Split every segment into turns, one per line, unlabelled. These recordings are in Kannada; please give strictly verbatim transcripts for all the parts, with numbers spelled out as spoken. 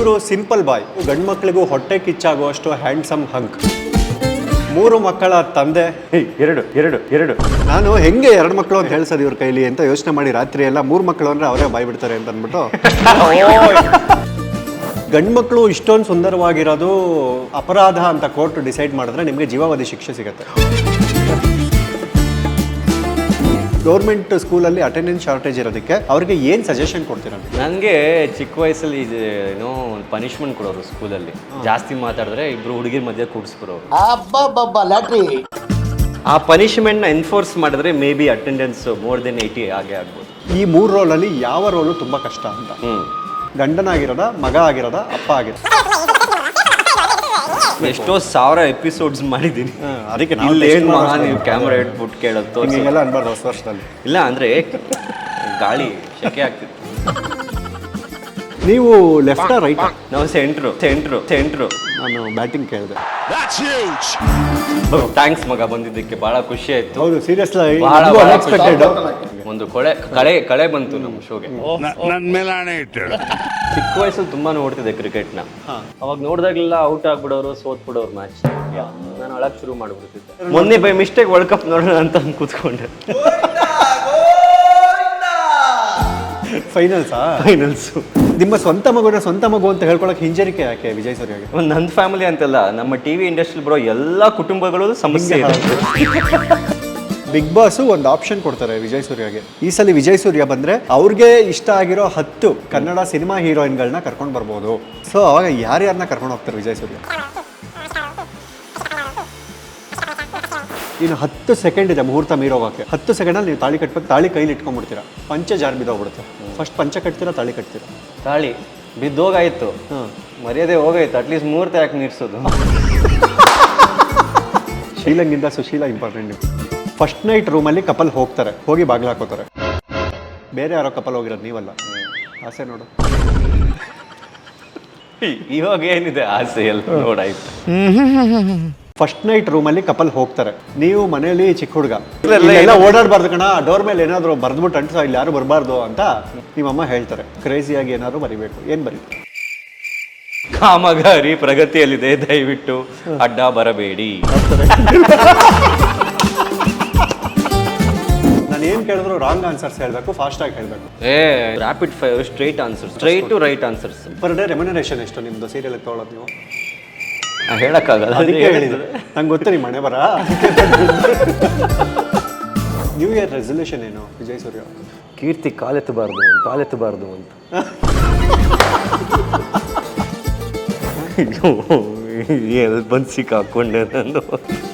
ಇವರು ಸಿಂಪಲ್ ಬಾಯ್, ಗಂಡು ಮಕ್ಕಳಿಗೂ ಹೊಟ್ಟೆ ಕಿಚ್ಚಾಗುವಷ್ಟು ಹ್ಯಾಂಡ್ಸಮ್ ಹಂಕ್. ಮೂರು ಮಕ್ಕಳ ತಂದೆ. ಎರಡು ಎರಡು ಎರಡು ನಾನು ಹೆಂಗೆ ಎರಡು ಮಕ್ಕಳು ಅಂತ ಹೇಳ್ಸೋದು ಇವ್ರ ಕೈಲಿ ಅಂತ ಯೋಚನೆ ಮಾಡಿ ರಾತ್ರಿ ಎಲ್ಲ ಮೂರು ಮಕ್ಕಳು ಅಂದ್ರೆ ಅವರೇ ಬಾಯ್ ಬಿಡ್ತಾರೆ ಅಂತ ಅಂದ್ಬಿಟ್ಟು ಗಂಡು ಮಕ್ಕಳು ಇಷ್ಟೊಂದು ಸುಂದರವಾಗಿರೋದು ಅಪರಾಧ ಅಂತ ಕೋರ್ಟ್ ಡಿಸೈಡ್ ಮಾಡಿದ್ರೆ ನಿಮಗೆ ಜೀವಾವಧಿ ಶಿಕ್ಷೆ ಸಿಗುತ್ತೆ. ಗೌರ್ಮೆಂಟ್ ಸ್ಕೂಲಲ್ಲಿ ಅಟೆಂಡೆನ್ಸ್ ಶಾರ್ಟೇಜ್ ಇರೋದಕ್ಕೆ ಅವ್ರಿಗೆ ಏನು ಸಜೆಷನ್ ಕೊಡ್ತೀರ?
ನನಗೆ ಚಿಕ್ಕ ವಯಸ್ಸಲ್ಲಿ ಇದು ಏನೋ ಒಂದು ಪನಿಷ್ಮೆಂಟ್ ಕೊಡೋರು ಸ್ಕೂಲಲ್ಲಿ. ಜಾಸ್ತಿ ಮಾತಾಡಿದ್ರೆ ಇಬ್ರು ಹುಡುಗಿರ ಮಧ್ಯೆ ಕೂಡಿಸ್ಬಿಡೋರು. ಆ ಪನಿಷ್ಮೆಂಟ್ನ ಎನ್ಫೋರ್ಸ್ ಮಾಡಿದ್ರೆ maybe attendance more than eighty ಆಗೇ ಆಗ್ಬೋದು.
ಈ ಮೂರು ರೋಲಲ್ಲಿ ಯಾವ ರೋಲು ತುಂಬ ಕಷ್ಟ ಅಂತ?
ಹ್ಞೂ
ಗಂಡನಾಗಿರೋದ, ಮಗ ಆಗಿರೋದ, ಅಪ್ಪ ಆಗಿರೋದ?
ಎಷ್ಟೋ ಸಾವಿರ ಎಪಿಸೋಡ್ಸ್ ಮಾಡಿದ್ದೀನಿ.
ಅದಕ್ಕೆ
ನೀವು ಕ್ಯಾಮ್ರಾ ಇಟ್ಬಿಟ್ಟು ಕೇಳೋದು
ಹಿಂಗೆಲ್ಲ ಅನ್ಬಾರ್ದು ಹೊಸ ವರ್ಷದಲ್ಲಿ.
ಇಲ್ಲ ಅಂದರೆ ಗಾಳಿ ಶೆಕೆ ಆಗ್ತಿತ್ತು.
ನೀವು ಲೆಫ್ಟಾ ರೈಟ್?
ನಾವು ಸೆಂಟ್ರು ಸೆಂಟ್ರು ಸೆಂಟ್ರು
ನಾನು ಬ್ಯಾಟಿಂಗ್ ಕೇಳಿದೆ.
ಥ್ಯಾಂಕ್ಸ್ ಮಗ, ಬಂದಿದ್ದಕ್ಕೆ ಭಾಳ ಖುಷಿ ಆಯ್ತು.
ಹೌದು, ಸೀರಿಯಸ್
ಅನ್ಎಕ್ಸ್ಪೆಕ್ಟೆಡ್. ಒಂದು ಕೊಳೆ ಕಳೆ ಕಳೆ ಬಂತು ನಮ್ಮ ಶೋಗೆ. ಚಿಕ್ಕ ವಯಸ್ಸಲ್ಲಿ ತುಂಬಾ ನೋಡ್ತಿದ್ದೆ ಕ್ರಿಕೆಟ್ನ. ಅವಾಗ ನೋಡಿದಾಗಲೆಲ್ಲ ಔಟ್ ಆಗ್ಬಿಡೋರು, ಸೋತ್ ಬಿಡೋರು ಮ್ಯಾಚ್. ನಾನು ಅಳಕ್ ಶುರು ಮಾಡ್ಬಿಡ್ತಿದ್ದೆ. ಮೊನ್ನೆ ಬೈ ಮಿಸ್ಟೇಕ್ ವರ್ಲ್ಡ್ ಕಪ್ ನೋಡೋಣ ಅಂತ ಕೂತ್ಕೊಂಡೆ.
ಫೈನಲ್ಸಾ? ಫೈನಲ್ಸು. ನಿಮ್ಮ ಸ್ವಂತ ಮಗುನ ಸ್ವಂತ ಮಗು ಅಂತ ಹೇಳ್ಕೊಳಕ್ಕೆ ಹಿಂಜರಿಕೆ ಯಾಕೆ ವಿಜಯ್ ಸೂರ್ಯಗೆ?
ಒಂದು ನನ್ನ ಫ್ಯಾಮಿಲಿ ಅಂತಲ್ಲ, ನಮ್ಮ ಟಿವಿ ಇಂಡಸ್ಟ್ರಿ ಬರೋ ಎಲ್ಲ ಕುಟುಂಬಗಳು ಸಮಸ್ಯೆ ಇದೆ.
ಬಿಗ್ ಬಾಸು ಒಂದು ಆಪ್ಷನ್ ಕೊಡ್ತಾರೆ ವಿಜಯ್ ಸೂರ್ಯಗೆ. ಈ ಸಲ ವಿಜಯ್ ಸೂರ್ಯ ಬಂದ್ರೆ ಅವ್ರಿಗೆ ಇಷ್ಟ ಆಗಿರೋ ಹತ್ತು ಕನ್ನಡ ಸಿನಿಮಾ ಹೀರೋಯಿನ್ಗಳನ್ನ ಕರ್ಕೊಂಡು ಬರ್ಬೋದು. ಸೊ ಅವಾಗ ಯಾರ್ಯಾರನ್ನ ಕರ್ಕೊಂಡು ಹೋಗ್ತಾರೆ ವಿಜಯ್ ಸೂರ್ಯ? ಇನ್ನು ಹತ್ತು ಸೆಕೆಂಡ್ ಇದೆ ಮುಹೂರ್ತ ಮೀರೋಗಕ್ಕೆ. ಹತ್ತು ಸೆಕೆಂಡಲ್ಲಿ ನೀವು ತಾಳಿ ಕಟ್ಬೇಕು. ತಾಳಿ ಕೈಲಿ ಇಟ್ಕೊಂಡ್ಬಿಡ್ತೀರಾ, ಪಂಚೆ ಜಾರ್ ಬಿದ್ದೋಗ್ಬಿಡುತ್ತೆ. ಫಸ್ಟ್ ಪಂಚೆ ಕಟ್ತೀರಾ, ತಾಳಿ ಕಟ್ತೀರಾ?
ತಾಳಿ ಬಿದ್ದೋಗಾಯ್ತು, ಮರ್ಯಾದೆ ಹೋಗಾಯ್ತು. ಅಟ್ಲೀಸ್ಟ್ ಮುಹೂರ್ತ ಯಾಕೆ ನಿಲ್ಸೋದು?
ಶೀಲಂಗಿಂದ ಸುಶೀಲ ಇಂಪಾರ್ಟೆಂಟ್. ಫಸ್ಟ್ ನೈಟ್ ರೂಮಲ್ಲಿ ಕಪಲ್ ಹೋಗ್ತಾರೆ, ಹೋಗಿ ಬಾಗಿಲು ಹಾಕೋತಾರೆ. ಬೇರೆ ಯಾರೋ ಕಪಲ್ ಹೋಗಿರೋದು, ನೀವಲ್ಲ. ಆಸೆ ನೋಡು.
ಇವಾಗ ಏನಿದೆ ಆಸೆ ಎಲ್ಲ ನೋಡಾಯ್ತು.
ಫಸ್ಟ್ ನೈಟ್ ರೂಮಲ್ಲಿ ಕಪಲ್ ಹೋಗ್ತಾರೆ, ನೀವು ಮನೇಲಿ ಚಿಕ್ಕ ಹುಡುಗ ಎಲ್ಲ ಓಡಾಡಬಾರ್ದು ಕಣ, ಡೋರ್ ಮೇಲೆ ಏನಾದರೂ ಬರ್ದ್ಬಿಟ್ಟು ಅಂಟಿಸೋ, ಇಲ್ಲಿ ಯಾರು ಬರಬಾರ್ದು ಅಂತ ನಿಮ್ಮಮ್ಮ ಹೇಳ್ತಾರೆ. ಕ್ರೇಜಿಯಾಗಿ ಏನಾದ್ರು ಬರಿಬೇಕು. ಏನು ಬರೀತಾರೆ?
ಕಾಮಗಾರಿ ಪ್ರಗತಿಯಲ್ಲಿದೆ, ದಯವಿಟ್ಟು ಅಡ್ಡ ಬರಬೇಡಿ.
ನಾನು ಏನು ಕೇಳಿದ್ರು ರಾಂಗ್ ಆನ್ಸರ್ಸ್ ಹೇಳಬೇಕು, ಫಾಸ್ಟಾಗಿ ಹೇಳಬೇಕು.
A rapid fire, straight answers, straight to right answers.
Per day remuneration ಎಷ್ಟು ನಿಮ್ಮದು ಸೀರಿಯಲ್ ತೊಗೊಳೋದು ನೀವು?
ಹೇಳಕ್ಕಾಗಲ್ಲ,
ಅದಕ್ಕೆ ಹೇಳಿದ್ರು. ನಂಗೆ ಗೊತ್ತು ನಿಮ್ಮ ಮನೆ ಬರ. ನ್ಯೂ ಇಯರ್ ರೆಸಲ್ಯೂಷನ್ ಏನು ವಿಜಯ್ ಸೂರ್ಯ?
ಕೀರ್ತಿ ಕಾಲೆತ್ತಬಾರ್ದು, ಕಾಲೆತ್ತಬಾರ್ದು ಅಂತ. ಎಲ್ಲಿ ಬಂದು ಸಿಕ್ಕಾಕೊಂಡೆ ನಾನು.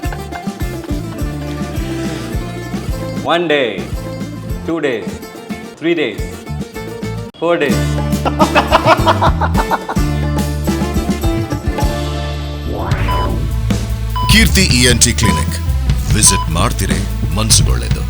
One day, two days, three days, four days.
Keerthi E N T clinic visit ಮಾಡ್ತಿರೇ ಮನ್ಸುಗೊಳ್ಳೆದು.